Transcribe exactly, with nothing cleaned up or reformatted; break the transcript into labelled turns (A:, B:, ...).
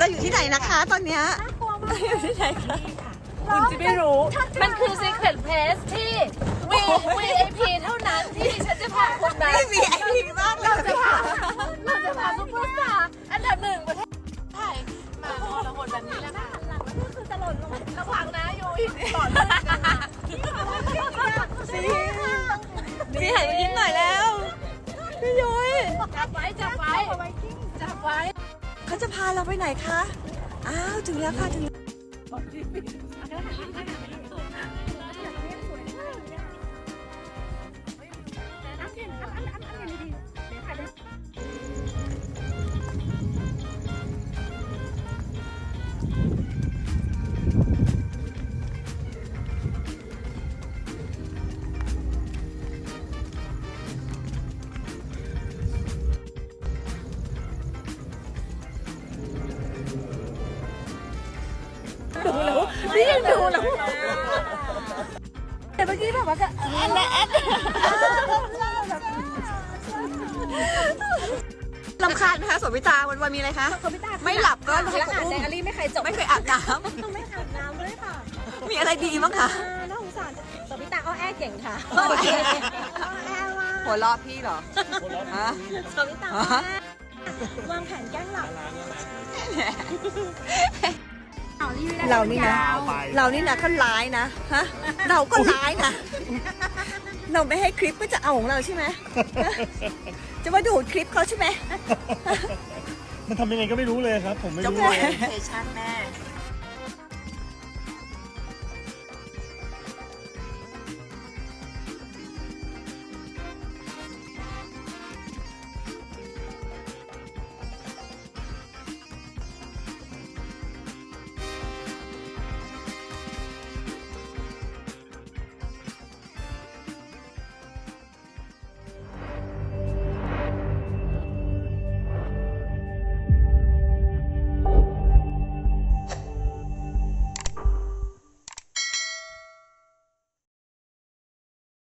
A: เราอยู่ที่ไหนนะคะตอนเนี้ยเราอยู่ที่ไหนคะคุณจะไม่รู้
B: มันคือ Secret Place ที่ วี ไอ พี เท่านั้นที่ฉันจะพาคุณไป
A: ไม่มีไอพีมากเราจะพา
B: เราจะพาซุปเปอร์สตาร์อันดับหนึ่งประเทศไทยมาพอละคนแบบนี้แล้วค่ะหลังแล้วก็คือจะหล่นลงระวังนะยูอีกก่อนเลยกันนะ
A: ซีซีหันมายิ้มหน่อยแล้วพี่ยุ้ย
B: จับไว้จับไว้จับไว้
A: เขาจะพาเราไปไหนคะอ้าวถึงแล้วค่ะถึงดูแล้วนี่ยังดูแล้วแต่เมื่อกี้แบบว่าก็แอนแอนลำคาญไหมคะสวิตาวันวันมีอะไรคะไม่หลับก็ให้คนอุ้ม
B: แอลลี่ไม่เคยจบ
A: ไม่เคยอาบน้
B: ไม่อาบน้ำด้วยค่ะ
A: ำมีอะไรดีมั้งคะ
B: น่าสงสารสวิตาอ้อแอเก่งค่ะ
A: อ้อแอ
B: แอว่า
A: หัวเราะพี่เหรอฮะ
B: สวิตาอ้อแอวางแผนแกล้งหลับ
A: เรานี่นะเรานี่นะก็ร้ายนะฮะเราก็ร้ายนะเราไม่ให้คลิปก็จะเอาของเราใช่ไหมจะมาดูดคลิปเขาใช่ไหม
C: มันทำยังไงก็ไม่รู้เลยครับ ผมไม่
A: เจ้า
C: รู้
A: แม่
C: เลย
A: เพชั่นแม่